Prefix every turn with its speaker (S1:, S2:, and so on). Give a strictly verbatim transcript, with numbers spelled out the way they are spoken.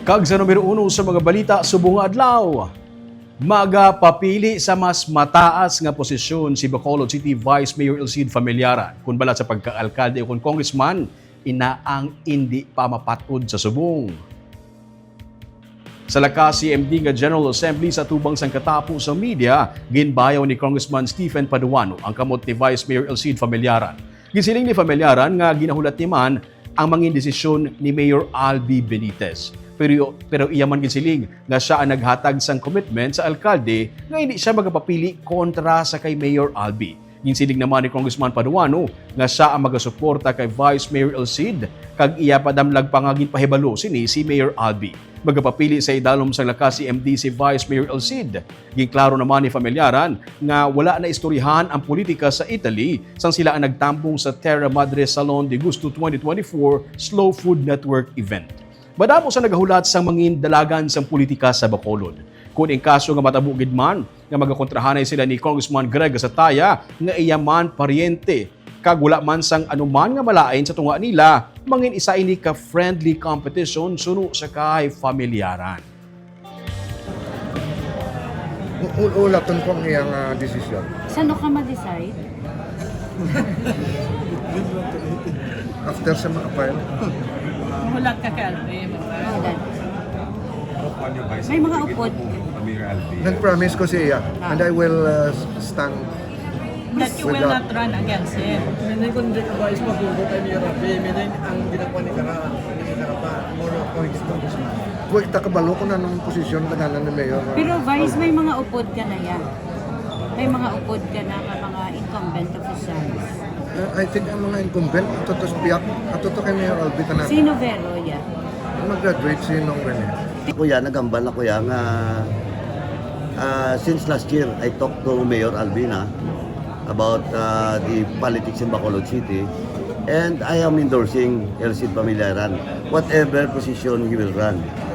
S1: Kag sa numero uno sa mga balita subong nga adlaw. Magapapili sa mas mataas nga posisyon si Bacolod City Vice Mayor Elcid Familiaran kun bala sa pagka-alkalde o kun congressman ina ang hindi pa mapatod sa subong. Sa lakas C M D nga General Assembly sa tubang sang katapo sa media, ginbayaw ni Congressman Stephen Paduano ang kamot ni Vice Mayor Elcid Familiaran. Gisiling ni Familiaran nga ginahulat ni man ang mangin desisyon ni Mayor Albi Benitez. Pero, pero iyaman gisiling nga siya ang naghatag sang commitment sa alkalde nga hindi siya magapapili kontra sa kay Mayor Albi. Ginsiling naman ni Congressman Paduano nga siya ang magasuporta kay Vice Mayor Elcid kag iya padamlag pangagin pahibalo sini si Mayor Albi. Magapapili sa idalom sang lakas C M D si Vice Mayor Elcid. Ginklaro naman ni Familiaran nga wala na istoryahan ang politika sa Italy sang sila ang nagtambong sa Terra Madre Salon de Gusto twenty twenty-four Slow Food Network event. Madamo sa nagahulat sang mangin dalagan sang politika sa Bacolod. Kung in kaso nga matabugid man nga magakontrahanay sila ni Congressman Greg Sataya nga iyaman paryente kag wala man sang anuman nga malain sa tunga nila, mangin isa ini ka friendly competition suno sa kay Familiaran.
S2: Ulaton ko ang iyang uh, desisyon.
S3: Saan ka ma-decide?
S2: After sa mga file.
S4: Hulat ka kay Albi.
S3: Hulat. May mga upod.
S2: Nag-promise ko siya and I will uh, stand
S4: That you will not run against him.
S5: Meaning kung di ka ba is mabubo kay Mayor Rafi, meaning ang ginagawa ni Kara, ni Kara pa, more points to this man.
S2: Huwag takabalo ko na ng posisyon tagalan ni Mayor.
S3: Pero Vice, may mga upod ka na yan. May mga upod ka na nga mga incumbent officials.
S2: Uh, I think ang mga incumbent, atotos biyak, atoto kay Mayor Albi ka na.
S3: Sino Vero yan?
S2: Mag-graduate si Nong Rene.
S6: Kuya, nagambal na kuya nga uh, since last year I talked to Mayor Albina about uh, the politics in Bacolod City and I am endorsing Elcid Familiaran whatever position he will run.